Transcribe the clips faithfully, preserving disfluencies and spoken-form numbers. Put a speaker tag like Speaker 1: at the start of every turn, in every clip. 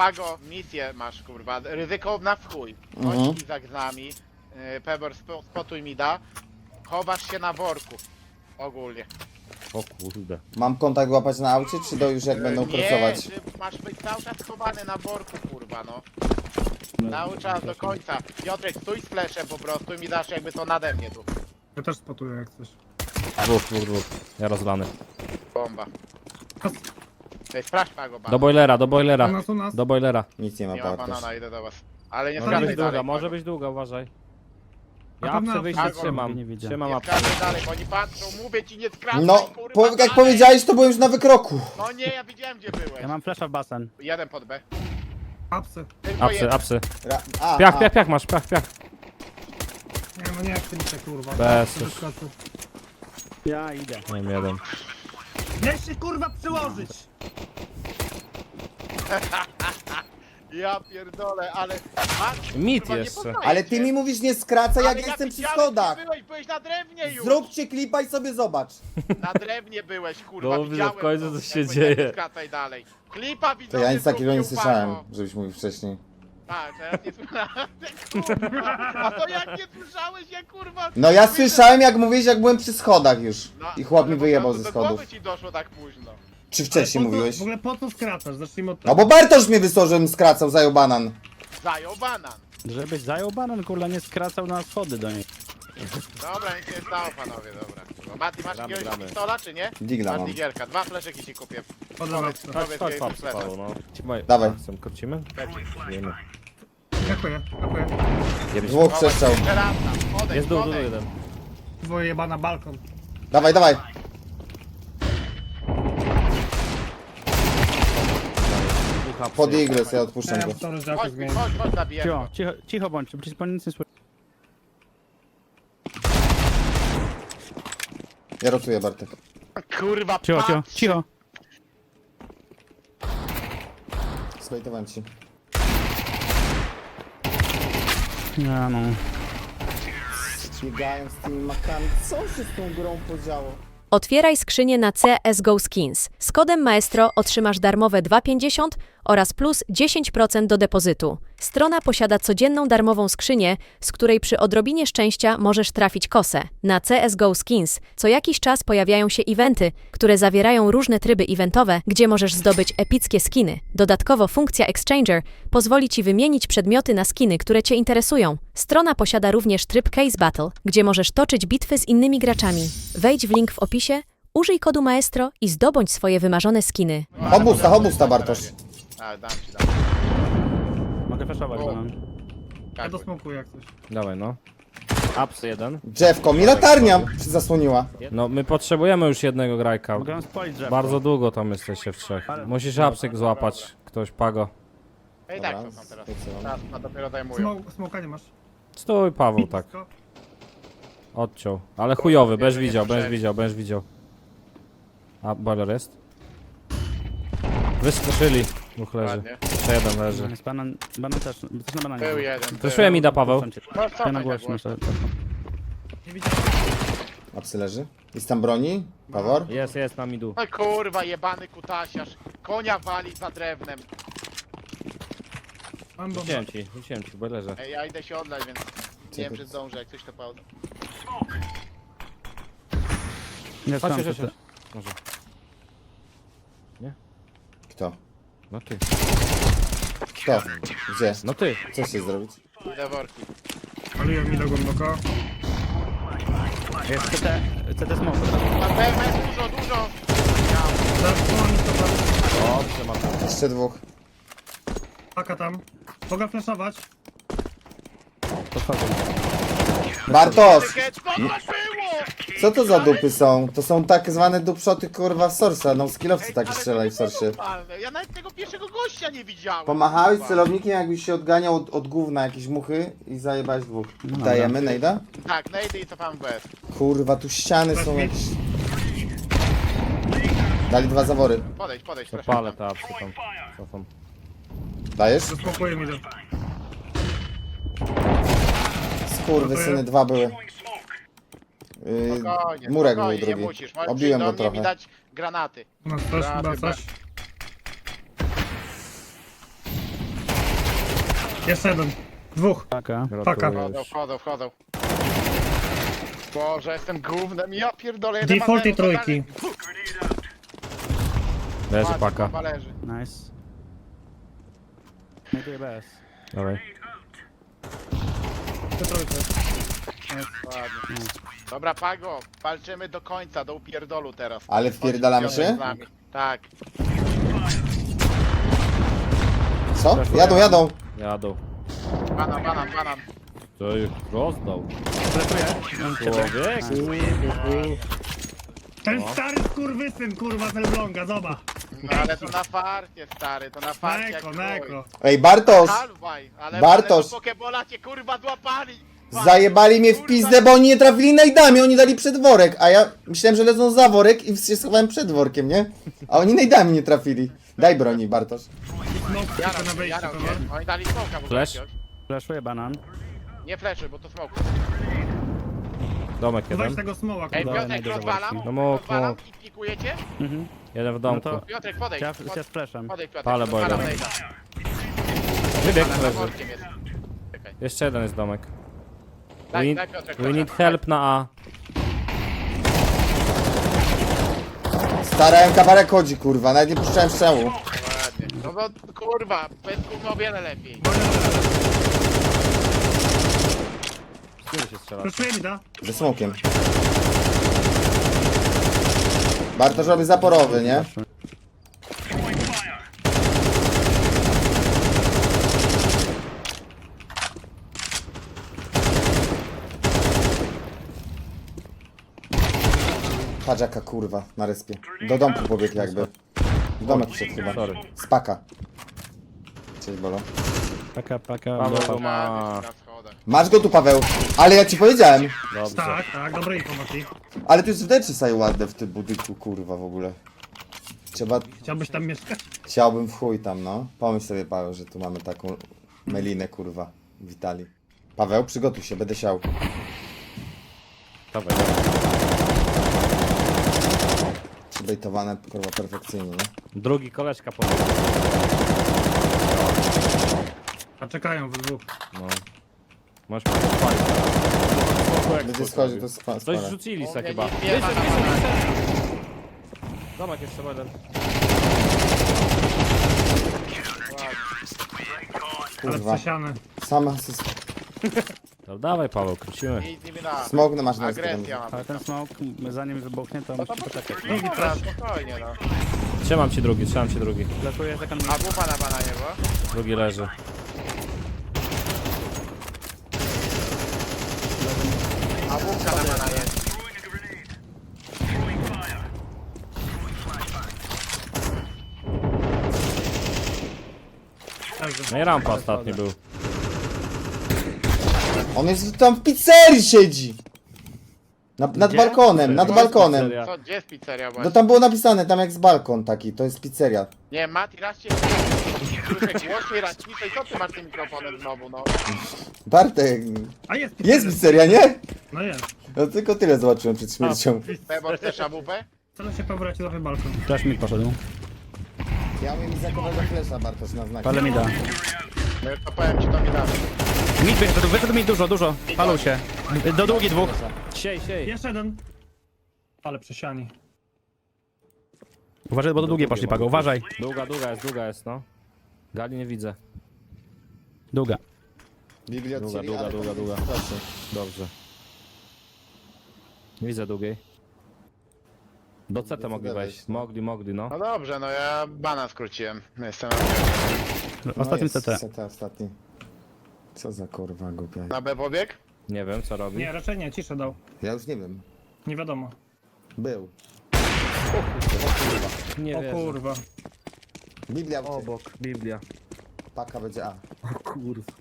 Speaker 1: Pago, misję masz, kurwa, ryzykowna w chuj.
Speaker 2: Mhm.
Speaker 1: Chodź Izak z nami, yy, Pebor spo, spotuj mi da. Chowasz się na worku. Ogólnie.
Speaker 3: O kurde.
Speaker 2: Mam kontakt łapać na aucie, czy do już jak będą
Speaker 1: nie,
Speaker 2: krosować?
Speaker 1: ty masz być cały czas schowany na worku, kurwa, no. Cały czas do końca. Piotrek, stój z fleszem po prostu i mi dasz jakby to nade mnie tu.
Speaker 4: Ja też spotuję jak coś.
Speaker 3: Dwóch, dwóch, dwóch. Ja rozlany.
Speaker 1: Bomba. Ej, sprawdź Pago,
Speaker 3: Do
Speaker 1: banana.
Speaker 3: boilera, do boilera.
Speaker 4: U nas, u nas.
Speaker 3: Do boilera.
Speaker 2: Nic nie ma
Speaker 1: Nie ma
Speaker 2: Bartosz.
Speaker 1: banana, idę do was. Ale nie
Speaker 3: Może
Speaker 1: skracaj
Speaker 3: być
Speaker 1: dalej,
Speaker 3: długa, może
Speaker 1: Pago.
Speaker 3: być długa, uważaj.
Speaker 4: A
Speaker 3: Ja
Speaker 4: tam na
Speaker 3: apsy wyjście
Speaker 1: Pago
Speaker 3: trzymam.
Speaker 5: nie widzę.
Speaker 3: Trzymam
Speaker 1: Nie
Speaker 3: apsy.
Speaker 1: skracaj dalej, bo oni patrzą, mówię ci nie skracaj,
Speaker 2: No,
Speaker 1: kurwa,
Speaker 2: po, jak
Speaker 1: dalej.
Speaker 2: powiedziałeś, to byłem już na wykroku.
Speaker 1: No nie, ja widziałem gdzie byłeś.
Speaker 5: Ja mam flasha w basen.
Speaker 1: Jeden pod B.
Speaker 4: Apsy.
Speaker 1: Tylko
Speaker 3: Apsy,
Speaker 1: jeden.
Speaker 3: apsy.
Speaker 2: Ra a,
Speaker 3: Piach,
Speaker 2: a.
Speaker 3: piach, piach masz, piach, piach.
Speaker 4: Nie no nie jak ty mi się kurwa.
Speaker 3: Bez
Speaker 4: Bez
Speaker 3: już.
Speaker 4: skacu.
Speaker 5: Ja idę.
Speaker 3: Mam jeden.
Speaker 4: Nie się kurwa przyłożyć!
Speaker 1: Ja pierdolę, ale... A,
Speaker 3: Mit
Speaker 1: kurwa, nie
Speaker 3: jeszcze.
Speaker 1: poznaję
Speaker 2: Ale
Speaker 1: cię.
Speaker 2: ty mi mówisz nie skracaj, jak
Speaker 1: Ale
Speaker 2: ja jestem przy
Speaker 1: widziałem, gdzie
Speaker 2: schodach.
Speaker 1: Byłeś, byłeś na drewnie już.
Speaker 2: Zróbcie klipa i sobie zobacz.
Speaker 1: Na drewnie byłeś, kurwa,
Speaker 3: Dobrze,
Speaker 1: widziałem
Speaker 3: w końcu
Speaker 1: to,
Speaker 3: co
Speaker 1: jak
Speaker 3: się
Speaker 1: powiedziałeś,
Speaker 3: dzieje.
Speaker 1: nie skracaj dalej. Klipa
Speaker 2: To
Speaker 1: widzowie
Speaker 2: ja nic takiego nie
Speaker 1: zrobił,
Speaker 2: słyszałem,
Speaker 1: Pago.
Speaker 2: żebyś mówił wcześniej.
Speaker 1: Tak, teraz nie słyszałem, kurwa. A to jak nie słyszałeś, ja kurwa...
Speaker 2: No ja
Speaker 1: Widzę-
Speaker 2: słyszałem jak mówiłeś, jak byłem przy schodach już.
Speaker 1: No,
Speaker 2: I chłop
Speaker 1: ale
Speaker 2: mi
Speaker 1: po
Speaker 2: wyjebał
Speaker 1: prostu
Speaker 2: ze
Speaker 1: do głowy
Speaker 2: schodów.
Speaker 1: ci doszło tak późno.
Speaker 2: Czy
Speaker 4: Ale
Speaker 2: wcześniej
Speaker 4: po co-
Speaker 2: mówiłeś?
Speaker 4: W ogóle po co skracasz? Zacznijmy od
Speaker 2: No bo Bartosz mnie wysłał, żebym skracał, zajął banan.
Speaker 1: Zajął banan.
Speaker 5: Żebyś zajął banan, kurwa, nie skracał na schody do niej.
Speaker 1: Dobra, nic się nie stało, panowie, dobra. No, Mati, masz
Speaker 3: Gramy,
Speaker 1: jakiegoś
Speaker 3: gramy.
Speaker 1: pistola, czy nie?
Speaker 2: Digla
Speaker 1: Masz
Speaker 2: mam.
Speaker 1: digierka, dwa fleszeki ci kupię.
Speaker 4: Podam
Speaker 1: Powiedz,
Speaker 4: apsy.
Speaker 3: Chodź,
Speaker 1: powiedz,
Speaker 3: chodź,
Speaker 1: gdzie
Speaker 3: chodź,
Speaker 1: jest flesza.
Speaker 3: Paweł, no. Trzymaj.
Speaker 2: Dawaj.
Speaker 3: Chcę, krócimy? Wiemy.
Speaker 4: Dziękuję, dziękuję.
Speaker 2: Dwóch przestrzał.
Speaker 1: Jeszcze raz tam, odejdź,
Speaker 3: Jest dół, dół,
Speaker 1: odejdź.
Speaker 3: jeden.
Speaker 4: Dwoje jebana balkon.
Speaker 2: Dawaj, dawaj.
Speaker 3: Dwóch apsy.
Speaker 2: Pod igles, ja
Speaker 4: Ja
Speaker 2: odpuszczam go.
Speaker 4: mam to rozdziałkę
Speaker 1: Chodź,
Speaker 4: zmienić.
Speaker 1: chodź, chodź, zabijemy
Speaker 5: Cicho,
Speaker 1: go.
Speaker 5: cicho, cicho bądź, przecież pan nic nie słyszy.
Speaker 2: Ja rotuję Bartek.
Speaker 1: Kurwa,
Speaker 5: Cicho, cicho,
Speaker 1: patrz.
Speaker 5: cicho.
Speaker 2: Slajtowałem ci.
Speaker 5: Ja no.
Speaker 2: Biegają z tymi makami. Co się z tą grą podziało?
Speaker 6: Otwieraj skrzynię na C S G O Skins. Z kodem Maestro otrzymasz darmowe dwa pięćdziesiąt oraz plus dziesięć procent do depozytu. Strona posiada codzienną darmową skrzynię, z której przy odrobinie szczęścia możesz trafić kosę. Na C S G O Skins co jakiś czas pojawiają się eventy, które zawierają różne tryby eventowe, gdzie możesz zdobyć epickie skiny. Dodatkowo funkcja Exchanger pozwoli Ci wymienić przedmioty na skiny, które Cię interesują. Strona posiada również tryb Case Battle, gdzie możesz toczyć bitwy z innymi graczami. Wejdź w link w opisie, użyj kodu Maestro i zdobądź swoje wymarzone skiny.
Speaker 2: Obusta, obusta Bartosz.
Speaker 1: A, dam ci, dam.
Speaker 5: Mogę flashować
Speaker 1: O.
Speaker 5: banan.
Speaker 4: Ja
Speaker 1: Tak,
Speaker 4: dosmokuję jak coś.
Speaker 3: Dawaj, no. Apsy jeden.
Speaker 2: Drzewko, mi latarnia się zasłoniła.
Speaker 3: No, my potrzebujemy już jednego grajka.
Speaker 5: Mogę wam spalić drzewo.
Speaker 3: Bardzo długo tam jesteście w trzech.
Speaker 5: Ale-
Speaker 3: Musisz apsyk złapać. Ktoś, Pago.
Speaker 1: Ej, tak,
Speaker 2: Dobra,
Speaker 1: to są teraz.
Speaker 2: zlecam.
Speaker 1: Teraz a dopiero zajmują.
Speaker 4: Smok, smoka nie masz.
Speaker 3: Stój, Paweł, tak.
Speaker 4: Blisko.
Speaker 3: Odciął. Ale chujowy, będziesz widział, będziesz widział, będziesz widział. A, boiler jest? Wyskoczyli. Dwóch leży.
Speaker 1: Ładnie.
Speaker 3: Jeszcze jeden leży.
Speaker 5: Jest banan, banan też, też na bananie.
Speaker 1: Był jeden.
Speaker 3: Proszę mi da, Paweł.
Speaker 1: No,
Speaker 5: Ja
Speaker 1: cofaj
Speaker 5: na
Speaker 1: tak
Speaker 5: głośno.
Speaker 1: głośno.
Speaker 5: to- to-
Speaker 4: Nie widziałem.
Speaker 2: A psy leży? Jest tam broni? Pawor?
Speaker 3: Jest, jest, na midu.
Speaker 1: No kurwa, jebany kutasiarz. Konia wali za drewnem.
Speaker 4: Mam bombę.
Speaker 3: Rzuciłem ci, rzuciłem ci w boilerze.
Speaker 1: Ej, ja idę się odlać, więc nie wiem,
Speaker 2: ty-
Speaker 1: czy zdążę, jak coś to pauza.
Speaker 5: Nie
Speaker 3: Chodź,
Speaker 5: znam,
Speaker 3: chodź,
Speaker 5: to
Speaker 3: chodź.
Speaker 5: się-
Speaker 3: Może.
Speaker 2: Kto?
Speaker 3: No ty.
Speaker 2: Kto? Gdzie?
Speaker 3: No ty.
Speaker 2: Co się zrobić?
Speaker 1: Idę worki.
Speaker 4: Paliłem mi do głęboko.
Speaker 5: Jest C T, C T smoke.
Speaker 1: Na pewno jest dużo, dużo.
Speaker 4: Zasłoni to tam.
Speaker 3: Dobrze, mam.
Speaker 2: Jeszcze dwóch.
Speaker 4: Paka tam. Mogę flashować.
Speaker 5: To wchodzę.
Speaker 2: Bartosz!
Speaker 1: Tykiet, co to było?
Speaker 2: Co to za dupy są? To są tak zwane dupszoty kurwa w sorsa. No skillowcy
Speaker 1: Ej,
Speaker 2: takie
Speaker 1: ale
Speaker 2: strzelali
Speaker 1: to
Speaker 2: w
Speaker 1: nie było
Speaker 2: sorsie.
Speaker 1: normalne. Ja nawet tego pierwszego gościa nie widziałem.
Speaker 2: Pomachałeś
Speaker 1: kurwa.
Speaker 2: celownikiem, jakbyś się odganiał od, od gówna jakieś muchy i zajebałeś dwóch. Dajemy, Nejda?
Speaker 1: Tak, najdę i cofam bez.
Speaker 2: Kurwa, tu ściany są jakieś... Dali dwa zawory.
Speaker 1: Podejdź, podejdź,
Speaker 3: To
Speaker 1: proszę.
Speaker 3: palę te apsy tam. Cofam.
Speaker 2: Dajesz?
Speaker 4: Zasmokuję mi do.
Speaker 2: Skurwysyny, dwa były. Yy,
Speaker 1: Spokojnie,
Speaker 2: murek był
Speaker 1: spokojnie, nie
Speaker 2: drugi.
Speaker 1: musisz. Możesz
Speaker 2: Obiłem
Speaker 1: przyjść
Speaker 2: go
Speaker 1: do mnie i mi
Speaker 2: trochę.
Speaker 1: dać granaty.
Speaker 4: U nas też
Speaker 1: Granaty
Speaker 4: chyba
Speaker 1: B.
Speaker 4: coś. Jeszcze jeden. Dwóch.
Speaker 5: Paka.
Speaker 4: Paka.
Speaker 3: Gratuluję
Speaker 1: Wchodzą,
Speaker 3: już.
Speaker 1: wchodzą, wchodzą. Boże, jestem gównem, ja pierdolę, jeden ma
Speaker 4: Defaulty
Speaker 1: zero, to
Speaker 4: trójki.
Speaker 3: Leży
Speaker 1: dalej.
Speaker 3: paka.
Speaker 1: Bomba leży.
Speaker 5: Nice. Znajduję B S.
Speaker 3: Dawaj.
Speaker 4: Te trójki.
Speaker 1: Ładnie. Dobra, Pago, walczymy do końca, do upierdolu teraz.
Speaker 2: Ale wpierdalamy
Speaker 1: Chodź,
Speaker 2: się?
Speaker 1: z nami. Tak.
Speaker 2: Co? Jadą, jadą.
Speaker 3: Jadą.
Speaker 1: Banan, banan, banan.
Speaker 3: To ich rozdał.
Speaker 5: Flashuję.
Speaker 3: Człowiek.
Speaker 4: Ten stary skurwysyn, kurwa, z Elbląga, zobacz.
Speaker 1: No ale to na farcie, stary, to na farcie jak
Speaker 4: Neko,
Speaker 1: chuj.
Speaker 4: neko.
Speaker 2: Ej, Bartosz!
Speaker 1: Halwaj, ale,
Speaker 2: Bartosz.
Speaker 1: ale do Pokebola cię kurwa złapali!
Speaker 2: Zajebali mnie w
Speaker 1: Kurwa.
Speaker 2: pizdę, bo oni nie trafili najdami, oni dali przed worek, a ja myślałem, że lecą za worek i się schowałem przed workiem, nie? A oni najdami nie trafili. Daj broni, Bartosz.
Speaker 4: Smok
Speaker 1: Jarał
Speaker 4: tylko na
Speaker 1: się,
Speaker 4: wejściu,
Speaker 1: jarał
Speaker 4: to
Speaker 1: się.
Speaker 4: nie?
Speaker 1: Oni dali smoka w ogóle
Speaker 3: Flash?
Speaker 1: jakiegoś.
Speaker 5: Flashuję banan.
Speaker 1: Nie fleszy, bo to smok.
Speaker 3: Domek
Speaker 4: Weź
Speaker 3: jeden.
Speaker 4: tego smoła,
Speaker 1: Ej,
Speaker 4: kurwa.
Speaker 1: Piotrek,
Speaker 5: najdę
Speaker 1: rozwalam,
Speaker 5: zawodki.
Speaker 3: No mógł,
Speaker 1: rozwalam
Speaker 3: mógł.
Speaker 1: i pikujecie?
Speaker 5: Mhm.
Speaker 3: Jeden w domku.
Speaker 5: No to-
Speaker 1: Piotrek, podejdź,
Speaker 5: Ja,
Speaker 1: podejdź,
Speaker 5: ja z flashem.
Speaker 1: podejdź Piotrek,
Speaker 3: Palę
Speaker 1: rozwalam
Speaker 3: boiler.
Speaker 1: nejda.
Speaker 3: Wybieg
Speaker 1: Ale za
Speaker 3: leży.
Speaker 1: workiem jest. Czekaj.
Speaker 3: Jeszcze jeden jest domek. We
Speaker 1: Daj,
Speaker 3: need,
Speaker 1: daj Piotrek,
Speaker 3: we
Speaker 1: proszę.
Speaker 3: need help na A.
Speaker 2: Stara M K parek chodzi, kurwa, nawet nie puszczałem strzału.
Speaker 1: Ładnie. No bo kurwa, bez gówno o wiele lepiej.
Speaker 3: Z którym się strzela?
Speaker 4: Flashuję mi, da?
Speaker 2: Ze smokiem. Bartosz robi zaporowy, nie? Patrz jaka kurwa na respie. Do domku pobiegł jakby. W domek wszedł chyba.
Speaker 3: Sorry.
Speaker 2: Spaka. Cześć Bolo.
Speaker 5: Paka, paka.
Speaker 3: Paweł
Speaker 5: do-
Speaker 3: to ma...
Speaker 1: Na schodach.
Speaker 2: Masz go tu Paweł. Ale ja ci powiedziałem.
Speaker 3: Dobrze.
Speaker 4: Tak, tak, dobre informacji.
Speaker 2: Ale tu jest wdeczy sobie ładne w tym budynku kurwa w ogóle. Trzeba...
Speaker 4: Chciałbyś tam mieszkać?
Speaker 2: Chciałbym w chuj tam, no. Pomyśl sobie, Paweł, że tu mamy taką melinę, kurwa. Witali. Paweł, przygotuj się, będę siał.
Speaker 3: Dawaj.
Speaker 2: Przybejtowane, kurwa, perfekcyjnie, nie?
Speaker 3: Drugi koleżka pobiegł.
Speaker 4: A czekają w dwóch.
Speaker 3: No. Możesz palić.
Speaker 2: Będzie schodził, to jest
Speaker 3: Coś
Speaker 2: spara.
Speaker 3: rzucili
Speaker 1: U
Speaker 3: se
Speaker 1: mnie
Speaker 3: chyba.
Speaker 1: nic nie ma na bananie.
Speaker 3: Domek jeszcze jeden.
Speaker 4: Ale
Speaker 2: Kurwa.
Speaker 4: przesiane.
Speaker 2: Sama asyst...
Speaker 3: To dawaj Paweł, krócimy.
Speaker 1: Nic nie da.
Speaker 2: Smog na masz na
Speaker 1: Agresja ma.
Speaker 5: Ale ten smoke, zanim wybuchnie, to
Speaker 1: No to
Speaker 5: musi poczekać.
Speaker 1: poczekaj. Dobra, spokojnie no.
Speaker 3: Trzymam ci drugi, trzymam ci drugi.
Speaker 5: Flashuję second
Speaker 1: A bufa na bananie była?
Speaker 3: Drugi leży.
Speaker 1: A bufka na bananie.
Speaker 3: No i rampa ostatni był.
Speaker 2: On jest tam w pizzerii siedzi! Na, nad
Speaker 5: Gdzie?
Speaker 2: balkonem, nad
Speaker 3: To jest
Speaker 2: balkonem.
Speaker 3: pizzeria.
Speaker 1: Co, gdzie jest pizzeria
Speaker 2: No
Speaker 1: właśnie?
Speaker 2: tam było napisane, tam jak z balkon taki, to jest pizzeria.
Speaker 1: Nie, Mati, raz cię słyszę głośniej, raz ciszej. Co ty masz tym mikrofonem znowu, no?
Speaker 2: Bartek,
Speaker 4: A jest
Speaker 2: jest pizzeria, nie?
Speaker 4: No jest.
Speaker 2: No tylko tyle zobaczyłem przed śmiercią.
Speaker 1: Bebo, chcesz abupę?
Speaker 4: Co się powróci do balkon?
Speaker 5: Flash mi poszedł.
Speaker 2: Ja umiem zakowego flesza, Bartosz, na znak.
Speaker 5: Ale mi da.
Speaker 1: No to powiem ci, to mi da.
Speaker 5: Mid wyszedł, wyszedł mi dużo, dużo. Palą się. Do długi dwóch.
Speaker 3: Siej, siej.
Speaker 4: Jeszcze jeden. Ale przesiani.
Speaker 5: Uważaj, bo do długie poszli, Pago, uważaj.
Speaker 3: Długa, długa jest, długa jest, no. Gali nie widzę.
Speaker 5: Długa.
Speaker 2: Biblia
Speaker 3: Długa,
Speaker 2: odcięli,
Speaker 3: długa,
Speaker 2: ale
Speaker 3: długa,
Speaker 2: to
Speaker 3: długa.
Speaker 2: jest proste.
Speaker 3: Dobrze. Nie widzę długiej. Do C T mogli
Speaker 2: Zgadza
Speaker 3: wejść.
Speaker 2: się, no.
Speaker 3: Mogli, mogli, no.
Speaker 1: No dobrze, no ja bana skróciłem. Jestem
Speaker 5: Ostatnim
Speaker 2: no
Speaker 5: C T.
Speaker 2: jest C T ostatni. Co za kurwa głupia.
Speaker 1: na B pobieg.
Speaker 3: Nie wiem, co robi.
Speaker 4: Nie, raczej nie, ciszę dał.
Speaker 2: Ja już nie wiem.
Speaker 4: Nie wiadomo.
Speaker 2: Był.
Speaker 3: Nie
Speaker 4: O
Speaker 3: wierzę.
Speaker 4: kurwa.
Speaker 2: Biblia w
Speaker 3: Obok, Biblia.
Speaker 2: Paka będzie A.
Speaker 3: Kurwa.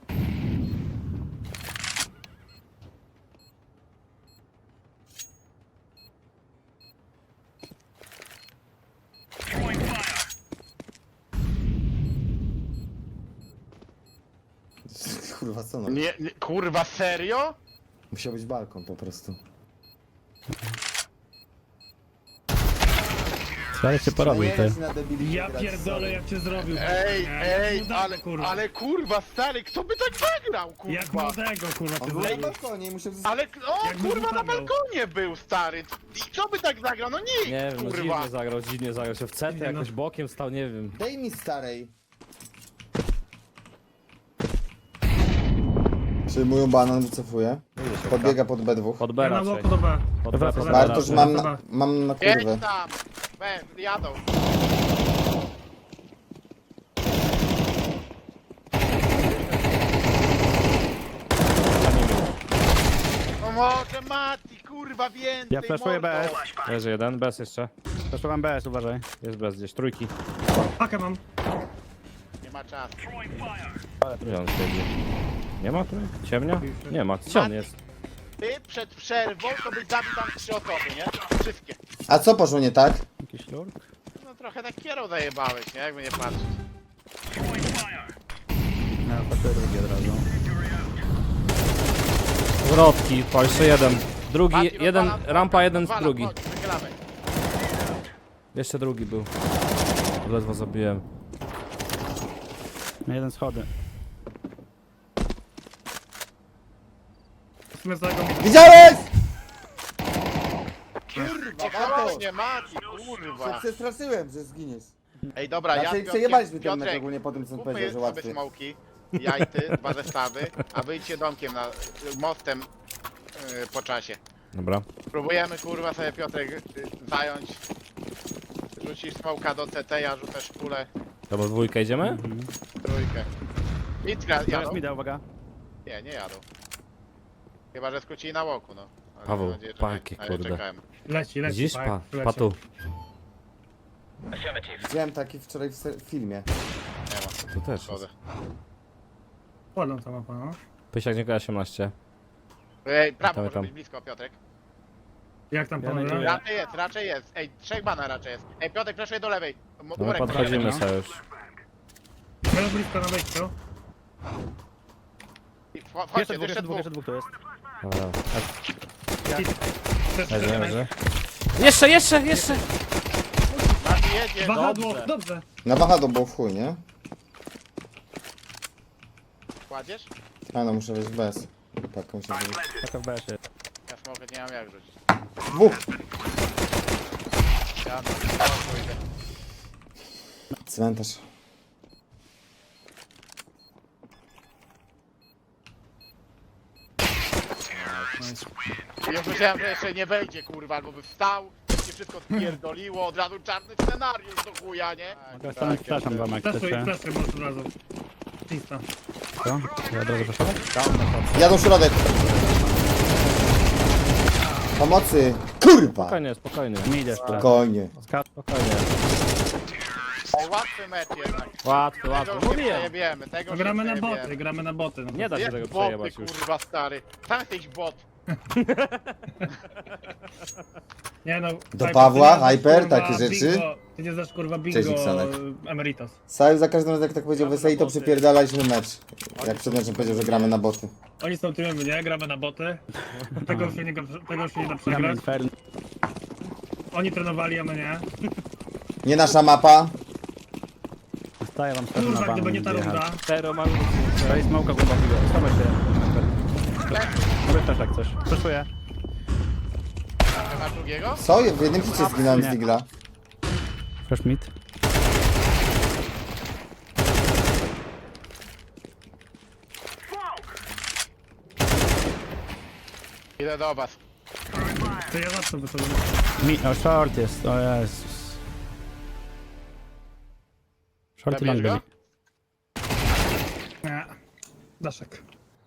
Speaker 2: Kurwa co no?
Speaker 1: Nie, nie, kurwa, serio?
Speaker 2: Musiał być balkon po prostu.
Speaker 5: Ale się porobił, ty.
Speaker 2: Najedziesz na debili
Speaker 4: Ja
Speaker 2: grać,
Speaker 4: pierdolę,
Speaker 2: sorry.
Speaker 4: jak cię zrobił.
Speaker 1: Ej,
Speaker 4: Nie,
Speaker 1: ej,
Speaker 4: jak młodego,
Speaker 1: ale,
Speaker 4: kurwa.
Speaker 1: ale kurwa, stary, kto by tak zagrał,
Speaker 4: Jak
Speaker 1: kurwa?
Speaker 4: młodego, kurwa,
Speaker 2: On
Speaker 4: cię
Speaker 2: był na
Speaker 4: zrobił.
Speaker 2: balkonie i musiał...
Speaker 1: Ale, o,
Speaker 4: Jak
Speaker 1: kurwa,
Speaker 4: by
Speaker 1: na
Speaker 4: zagrał?
Speaker 1: balkonie był, stary. I kto by tak zagrał? No nikt,
Speaker 3: Nie wiem, no
Speaker 1: kurwa.
Speaker 3: dziwnie zagrał, dziwnie zagrał się w cetę,
Speaker 4: Nie, no.
Speaker 3: jakoś bokiem stał, nie wiem.
Speaker 2: Daj mi starej. Przyjmują banan, wycofuję. Podbiega pod B dwa.
Speaker 3: Pod
Speaker 4: Ja
Speaker 3: B
Speaker 4: na
Speaker 3: raczej.
Speaker 4: łoku do B.
Speaker 3: Pod B, pod B
Speaker 2: Bartosz,
Speaker 3: raczej.
Speaker 2: mam na, mam na kurwę.
Speaker 1: Jedź tam, we, jadą. No może Mati, kurwa, więcej,
Speaker 5: Ja flashuję
Speaker 1: mordo.
Speaker 5: B S.
Speaker 3: Leży jeden, bez jeszcze.
Speaker 5: Zresztą B S, uważaj.
Speaker 3: Jest bez gdzieś, trójki.
Speaker 4: Pakę mam.
Speaker 1: Nie ma czasu.
Speaker 3: Gdzie on siedzi? Nie ma trójki? Ciemnia? Nie ma, gdzie on jest?
Speaker 1: Ty przed przerwą to byś zabił tam trzy osoby, nie? Wszystkie.
Speaker 2: A co poszło nie tak?
Speaker 5: Jakiś lurk?
Speaker 1: No trochę tak kierą zajebałeś, nie? Jakby nie patrzeć.
Speaker 5: Ja patrzę drugi od razu.
Speaker 3: Zwrotki, po jeszcze jeden. Drugi,
Speaker 1: Mati,
Speaker 3: jeden,
Speaker 1: rozwala-
Speaker 3: rampa jeden,
Speaker 1: rozwala,
Speaker 3: drugi.
Speaker 1: chodź, wychylamy.
Speaker 3: Jeszcze drugi był. Ledwo zabiłem.
Speaker 5: Na jeden schody.
Speaker 4: W sumie za jego mi...
Speaker 2: Widziałeś?
Speaker 1: Kurwa, właśnie, Mati, kurwa.
Speaker 2: Przestraszyłem, że zginiesz.
Speaker 1: Ej, dobra, ja
Speaker 2: Znaczy
Speaker 1: z
Speaker 2: przejebaliśmy
Speaker 1: Piotrkiem-
Speaker 2: ten mecz
Speaker 1: Piotrek,
Speaker 2: ogólnie po tym, co on
Speaker 1: kupmy
Speaker 2: powiedział, że
Speaker 1: sobie
Speaker 2: łatwiej.
Speaker 1: smoki, jajty, dwa zestawy, a wyjdźcie domkiem na, mostem yy, po czasie.
Speaker 3: Dobra.
Speaker 1: Próbujemy, kurwa, sobie Piotrek y, zająć. Rzucisz smoka do C T, ja rzucę szpulę,
Speaker 3: Dobra, dwójkę idziemy?
Speaker 1: trójkę. Itka,
Speaker 5: Teraz
Speaker 1: jadą?
Speaker 5: mi da, uwaga.
Speaker 1: Nie, nie jadą. Chyba, że skrócili na łoku, no. Ale
Speaker 3: Paweł,
Speaker 1: mam nadzieję, że
Speaker 3: paki,
Speaker 1: nie. A ja
Speaker 3: kurde.
Speaker 1: czekałem.
Speaker 4: Leci, leci.
Speaker 3: Widzisz?
Speaker 4: Pak,
Speaker 3: Pa,
Speaker 4: leci.
Speaker 3: pa tu.
Speaker 2: Widziałem taki wczoraj w se- filmie.
Speaker 1: Nie ma,
Speaker 3: Tu też
Speaker 1: szkoda.
Speaker 3: jest.
Speaker 4: Ładną ta mapa, no.
Speaker 3: Pysiak nie osiemnaście.
Speaker 1: Ej, prawo,
Speaker 3: Tam,
Speaker 1: może
Speaker 3: tam.
Speaker 1: być blisko, Piotrek.
Speaker 4: Jak tam
Speaker 5: Ja
Speaker 4: panowie?
Speaker 5: najduję.
Speaker 1: Raczej jest, raczej jest. Ej, trzech bana raczej jest. Ej, Piotrek, fleszuje do lewej. M-
Speaker 3: No my
Speaker 1: Murek,
Speaker 3: podchodzimy
Speaker 5: no.
Speaker 3: sobie już.
Speaker 4: Będę blisko na wejściu.
Speaker 1: I wcho- Wchodźcie,
Speaker 5: Jeszcze dwóch,
Speaker 1: jeszcze
Speaker 5: jeszcze dwóch,
Speaker 1: dwóch.
Speaker 5: jeszcze dwóch tu jest.
Speaker 3: Dobra.
Speaker 4: Też
Speaker 3: Leży,
Speaker 4: też-
Speaker 3: leży. Jeszcze, jeszcze, jeszcze!
Speaker 1: Mati jedzie.
Speaker 4: Wahadło,
Speaker 3: Dobrze.
Speaker 4: dobrze.
Speaker 2: Na wahadło było w chuj, nie?
Speaker 1: Kładziesz?
Speaker 2: A no, muszę wejść bez. Tak, muszę wejść.
Speaker 5: Taka w B S jest.
Speaker 1: Ja smokę nie mam jak rzucić.
Speaker 2: Dwóch!
Speaker 1: Ja na smoku idę.
Speaker 2: Cmentarz.
Speaker 1: Ja myślałem, że jeszcze nie wejdzie, kurwa, albo by wstał, się wszystko spierdoliło, od razu czarny scenariusz do chuja, nie?
Speaker 5: Ja stanę przepraszam wam jak
Speaker 4: Flashuj,
Speaker 5: chcecie.
Speaker 4: flashuj, może od razu. Czysta.
Speaker 5: Co? Ja od razu proszę.
Speaker 2: Jadą środek. Pomocy! Kurwa!
Speaker 3: Spokojnie, spokojnie.
Speaker 5: Mi idziesz tu.
Speaker 2: Spokojnie.
Speaker 5: Skat.
Speaker 3: Spokojnie.
Speaker 1: Ej, łatwy mecz jednak.
Speaker 3: Łatwo,
Speaker 1: Tego
Speaker 3: łatwo.
Speaker 1: już nie
Speaker 3: Mówiłem.
Speaker 1: przejebiemy, tego
Speaker 4: No,
Speaker 1: już nie
Speaker 4: gramy na
Speaker 1: przejebiemy.
Speaker 4: boty, gramy na boty. No.
Speaker 3: Nie da się
Speaker 1: Jak
Speaker 3: tego
Speaker 1: boty,
Speaker 3: przejebać już.
Speaker 1: kurwa, stary. Sam jesteś bot.
Speaker 4: Nie no.
Speaker 2: Do
Speaker 4: Hyper,
Speaker 2: Pawła,
Speaker 4: ty nie znasz,
Speaker 2: Hyper,
Speaker 4: kurwa,
Speaker 2: takie rzeczy?
Speaker 4: Bingo, ty nie znasz kurwa bingo
Speaker 2: Cześć, Iksanek.
Speaker 4: Emeritus.
Speaker 2: Saju za każdym razem jak tak powiedział Weseli, to przypierdalaliśmy mecz. Jak przed meczem powiedział, że gramy na boty.
Speaker 4: Oni są tyłem, nie? Gramy na boty. Tego już się nie, tego już się nie da
Speaker 5: Gramy
Speaker 4: przegrać.
Speaker 5: Inferno.
Speaker 4: Oni trenowali, a my nie.
Speaker 2: Nie nasza mapa.
Speaker 5: Staję wam stary na
Speaker 4: Kurwa,
Speaker 5: banan.
Speaker 4: gdyby nie ta runda.
Speaker 3: Cztero mamy.
Speaker 5: To jest smoka głębokiego. Schowaj się. Mówię też jak coś. Przeszuję.
Speaker 1: Nie ma drugiego?
Speaker 2: Co? W jednym hicie zginąłem z
Speaker 5: Nie.
Speaker 2: Digla.
Speaker 5: Fresh meat.
Speaker 1: Idę do was.
Speaker 4: To ja zawsze wychodzę.
Speaker 5: Mi o, short jest. O Jezus. Short i long
Speaker 1: Zabierz
Speaker 5: byli.
Speaker 1: go?
Speaker 4: Nie. Daszek.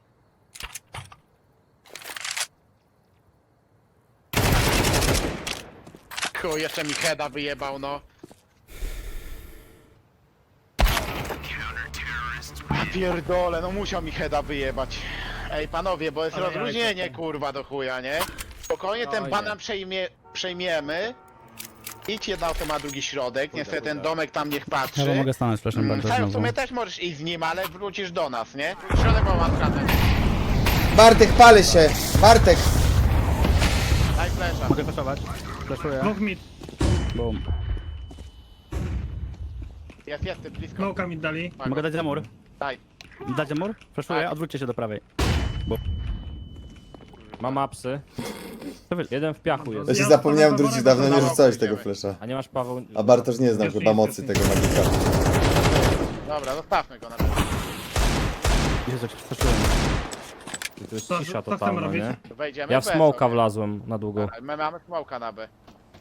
Speaker 1: Chuj, jeszcze mi heada wyjebał, no. Ja pierdole, no musiał mi heada wyjebać. Ej, panowie, bo jest
Speaker 4: Ale
Speaker 1: rozluźnienie,
Speaker 4: jajko.
Speaker 1: kurwa, do chuja, nie? Spokojnie ten
Speaker 3: Oj,
Speaker 1: banan
Speaker 3: nie.
Speaker 1: przejmie, przejmiemy. Idź jedna osoba, drugi środek, niestety ten domek tam niech patrzy.
Speaker 5: Ja wam mogę stanąć flashem
Speaker 1: Mm,
Speaker 5: bardzo
Speaker 1: Saju, w
Speaker 5: znowu.
Speaker 1: sumie też możesz iść z nim, ale wrócisz do nas, nie? Środek ma skazać.
Speaker 2: Bartek, pali się! Bartek!
Speaker 1: Daj flesza.
Speaker 5: Mogę flashować? Flashuję.
Speaker 4: Dwóch mid.
Speaker 5: Boom.
Speaker 1: Jest, jest, ty blisko.
Speaker 4: Smoka mi dali.
Speaker 1: Pago.
Speaker 5: Mogę dać za mur?
Speaker 1: Daj.
Speaker 5: Dać za mur? Flashuję,
Speaker 1: Tak.
Speaker 5: odwróćcie się do prawej.
Speaker 3: Mam apsy.
Speaker 5: To wy...
Speaker 3: Jeden w piachu jest.
Speaker 2: Ja się
Speaker 4: Ja
Speaker 2: zapomniałem
Speaker 4: wpadłem
Speaker 2: wrócić,
Speaker 4: po
Speaker 2: dawno nie
Speaker 1: wolę,
Speaker 2: rzucałeś
Speaker 1: pójdziemy.
Speaker 2: tego flesza.
Speaker 3: A nie masz Paweł...
Speaker 2: A Bartosz nie znam
Speaker 4: Jest
Speaker 2: chyba
Speaker 4: mi
Speaker 2: mocy
Speaker 4: świetnie.
Speaker 2: tego magika.
Speaker 1: Dobra, zostawmy go na razie.
Speaker 5: Jezu, jak flashuję.
Speaker 3: To jest
Speaker 4: Co-
Speaker 3: cisza
Speaker 4: co chcemy
Speaker 3: totalna,
Speaker 4: robić?
Speaker 3: nie?
Speaker 1: To wejdziemy
Speaker 3: Ja w
Speaker 1: B
Speaker 3: smoka
Speaker 1: sobie.
Speaker 3: wlazłem na długo.
Speaker 1: A, My mamy smoka na B.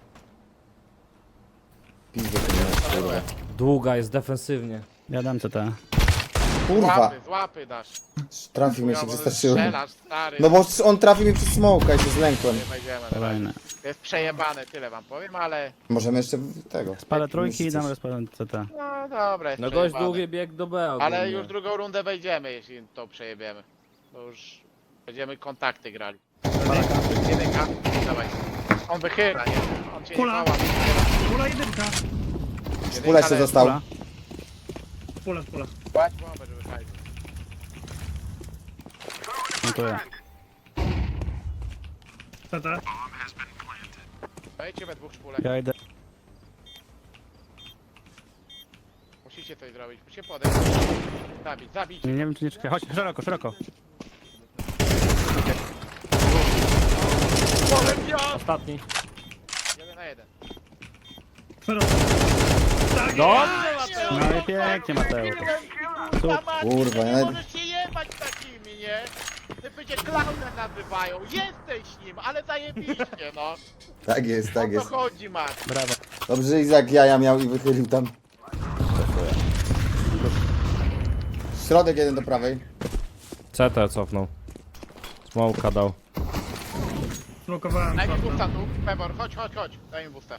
Speaker 2: Pizdę to nie masz, kurwa.
Speaker 3: Długa jest defensywnie.
Speaker 5: Ja dam C T.
Speaker 2: Kurwa,
Speaker 1: Złapy, złapy dasz.
Speaker 2: trafił mnie, się
Speaker 1: Chujowo
Speaker 2: przestraszyłem.
Speaker 1: strzelasz, stary.
Speaker 2: No bo on trafił mi przez smoka i się zlękłem.
Speaker 1: Nie wejdziemy na razie.
Speaker 5: Kolejne.
Speaker 1: To jest przejebane, tyle wam powiem, ale...
Speaker 2: Możemy jeszcze w- tego.
Speaker 5: Spalę trójki i
Speaker 2: Coś.
Speaker 5: dam rozpalę C T.
Speaker 1: No dobra, jest
Speaker 3: No gość
Speaker 1: przejebane.
Speaker 3: długi bieg do B ogólnie.
Speaker 1: Ale już drugą rundę wejdziemy, jeśli to przejebiemy. To już będziemy kontakty grali. Jedynka, jedynka, dawaj. On wychyla, nie? On cię
Speaker 4: Kula.
Speaker 1: nie mała.
Speaker 4: Pula jedynka.
Speaker 2: Pula jeszcze został.
Speaker 5: Kula.
Speaker 4: Pula, pula.
Speaker 1: Płać bombę, żeby fajnie.
Speaker 5: Dziękuję.
Speaker 4: C T.
Speaker 1: Wejdźcie we dwóch szpulę.
Speaker 5: Ja idę.
Speaker 1: Musicie coś zrobić, musicie podejść. Zabić, zabić.
Speaker 5: Nie, nie wiem czy nie czekaj. Chodź, szeroko, szeroko.
Speaker 3: Ostatni.
Speaker 1: Jeden na jeden.
Speaker 4: Szeroko. Tak
Speaker 3: Dobrze,
Speaker 5: No i pięknie, Mateusz.
Speaker 2: Kurwa, ja
Speaker 1: nie
Speaker 2: nawet-
Speaker 1: możesz się jebać takimi, nie? Ty będzie klaunem nazywają, jesteś nim, ale zajebiście, no.
Speaker 2: Tak jest,
Speaker 1: O
Speaker 2: tak
Speaker 1: co
Speaker 2: jest.
Speaker 1: chodzi, Matt?
Speaker 5: Brawo.
Speaker 2: Dobrze, że Izak jaja miał i wychylił tam. Środek jeden do prawej.
Speaker 3: C T cofnął. Smoka dał.
Speaker 4: Smokowałem.
Speaker 1: Daj mi
Speaker 4: shorta.
Speaker 1: busta tu, Pebor, chodź, chodź, chodź. Daj mi busta.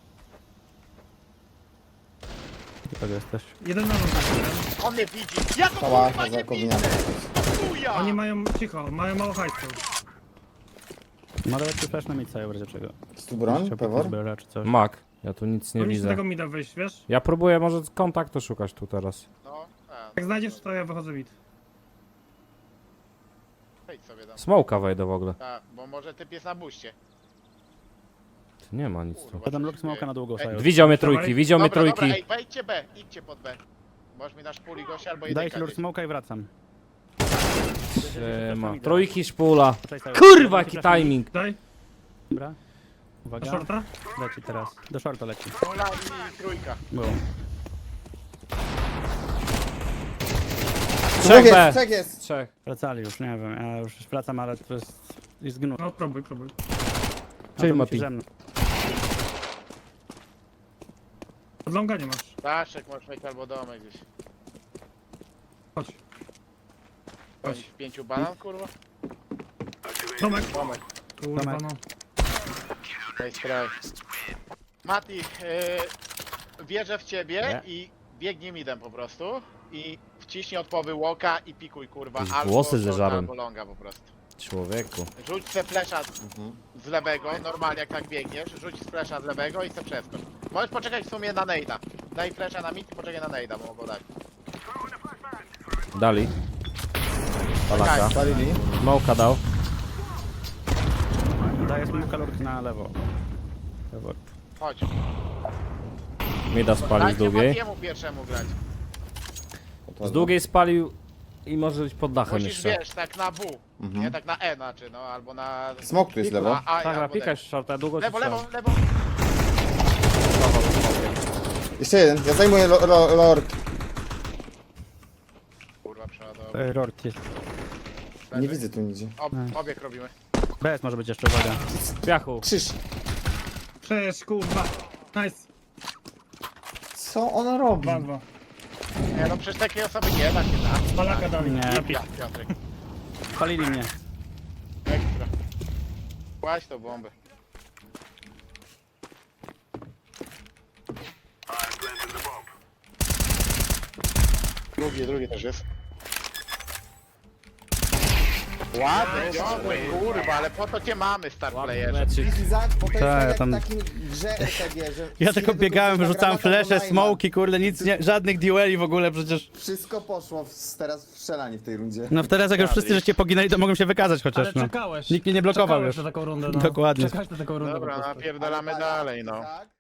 Speaker 5: Tak jesteś.
Speaker 4: Jeden na nogę.
Speaker 1: On mnie widzi. Ja go
Speaker 2: Cała
Speaker 1: kurwa nie
Speaker 2: Hazakowina.
Speaker 1: widzę. Chuja!
Speaker 4: Oni mają, cicho, mają mało hajsu.
Speaker 5: Ma lepszy flash na mica, w razie czego.
Speaker 2: Jest tu broń,
Speaker 5: Trzeba
Speaker 2: Pewor?
Speaker 5: zbera czy coś.
Speaker 3: Mak. Ja tu nic nie
Speaker 4: Powinniśmy
Speaker 3: widzę.
Speaker 4: tego mida wyjść, wiesz?
Speaker 3: Ja próbuję może kontaktu szukać tu teraz.
Speaker 1: No, a,
Speaker 4: Jak znajdziesz, to ja wychodzę mid.
Speaker 1: wejdź sobie tam.
Speaker 3: Smoka wejdę w ogóle.
Speaker 1: Tak, bo może typ jest na buście.
Speaker 3: Tu nie ma nic tu.
Speaker 1: Kurwa,
Speaker 5: Ja dam
Speaker 1: co
Speaker 5: look
Speaker 1: się
Speaker 5: smoka
Speaker 1: dzieje?
Speaker 5: na długą
Speaker 1: Ej,
Speaker 5: sają.
Speaker 3: Widział mnie trójki, widział mnie
Speaker 1: Dobra, dobra,
Speaker 3: trójki.
Speaker 1: ej, wejdźcie B, idźcie pod B. Możesz mi dasz puli gościa albo
Speaker 5: Daj
Speaker 1: jedynka.
Speaker 5: się lure
Speaker 1: gdzieś.
Speaker 5: smoka i wracam.
Speaker 3: Siema. Trójki szpula.
Speaker 5: Cześć, Sajo.
Speaker 3: Kurwa, jaki timing.
Speaker 4: Daj,
Speaker 5: Dobra.
Speaker 4: na
Speaker 5: Uwaga.
Speaker 4: shorta.
Speaker 5: Leci teraz. Do shorta leci.
Speaker 1: Pula i trójka.
Speaker 5: Boom.
Speaker 2: Trzech
Speaker 3: Trzech B.
Speaker 2: jest, trzech jest.
Speaker 3: Trzech.
Speaker 5: Wracali już, nie wiem. Ja już wracam, ale to jest... Jest gnój.
Speaker 4: No próbuj, próbuj.
Speaker 5: A
Speaker 3: Czyli
Speaker 5: to
Speaker 3: Mati.
Speaker 5: musi ze mną.
Speaker 4: Od longa nie masz.
Speaker 1: Daszek możesz mieć albo domek gdzieś.
Speaker 4: Chodź.
Speaker 1: Chodź. W pięciu banan, kurwa?
Speaker 4: Domek.
Speaker 1: Domek.
Speaker 4: Kurwa
Speaker 5: Domek.
Speaker 4: no.
Speaker 1: Daj spray. Mati, yy, wierzę w ciebie
Speaker 5: Nie.
Speaker 1: i biegnij midem po prostu. I wciśnij od połowy łoka i pikuj, kurwa.
Speaker 3: Jakieś
Speaker 1: Albo
Speaker 3: włosy
Speaker 1: shorta,
Speaker 3: zeżarłem.
Speaker 1: albo longa po prostu.
Speaker 3: Człowieku.
Speaker 1: Rzuć se flesza z lewego, normalnie jak tak biegniesz, rzuć z flesza z lewego i se przeskocz. Możesz poczekać w sumie na nejda. Daj flesza na mid i poczekaj na nejda, bo mogą dać.
Speaker 3: Dali. Palaka.
Speaker 2: Spalili.
Speaker 3: Smoka dał.
Speaker 5: Daję smoka lurk na lewo. Lewo.
Speaker 1: Chodź.
Speaker 3: Mida spalił z
Speaker 1: Dajcie
Speaker 3: długiej.
Speaker 1: Matiemu pierwszemu grać.
Speaker 3: Z długiej spalił i może być pod dachem
Speaker 1: Musisz,
Speaker 3: jeszcze.
Speaker 1: wiesz, tak na W.
Speaker 2: Mhm.
Speaker 1: Nie tak na E znaczy, no albo na...
Speaker 2: Smok tu jest lewo.
Speaker 1: A, a,
Speaker 3: Tak,
Speaker 1: albo
Speaker 3: napikaj shorta, długo
Speaker 1: lewo,
Speaker 3: się
Speaker 1: lewo, lewo.
Speaker 2: Jeszcze jeden, ja zajmuję lo, lo, lord.
Speaker 1: Kurwa, przeładował.
Speaker 5: E, Rort jest.
Speaker 2: Nie widzę tu nigdzie.
Speaker 1: Ob, obieg robimy.
Speaker 5: B S może być jeszcze, uwaga.
Speaker 3: W piachu.
Speaker 2: Krzyż.
Speaker 4: Przecież kurwa. Nice.
Speaker 2: Co ona robi?
Speaker 4: dwa dwa.
Speaker 1: Nie no, przecież takiej osoby nie da się, tak?
Speaker 4: Palaka dali.
Speaker 5: Nie.
Speaker 4: Napisz.
Speaker 1: Ja, Piotrek.
Speaker 5: Palili mnie.
Speaker 1: Ekstra. Kładź tą bombę. Drugi, drugi też jest. Ładny, ciągły, kurwa, ale po to cię mamy, star playerze.
Speaker 3: Meczyk.
Speaker 2: Izak, bo to jest
Speaker 5: Tak,
Speaker 2: tak jak
Speaker 5: tam-
Speaker 2: w takim grze R P G, że...
Speaker 5: Ja tylko biegałem, wyrzucałem flesze, smoki, kurde, nic nie, żadnych dueli w ogóle przecież.
Speaker 2: Wszystko poszło w, teraz w strzelanie w tej rundzie.
Speaker 5: No teraz jak już wszyscy żeście poginęli, to mogłem się wykazać
Speaker 4: Ale
Speaker 5: chociaż, no.
Speaker 4: czekałeś.
Speaker 5: Nikt mnie nie blokował
Speaker 4: Czekałeś
Speaker 5: już.
Speaker 4: na taką rundę, no.
Speaker 5: Dokładnie.
Speaker 4: Czekałeś na taką rundę po
Speaker 1: Dobra,
Speaker 4: prostu.
Speaker 1: napierdalamy
Speaker 2: Ale
Speaker 1: dalej, no.
Speaker 2: tak,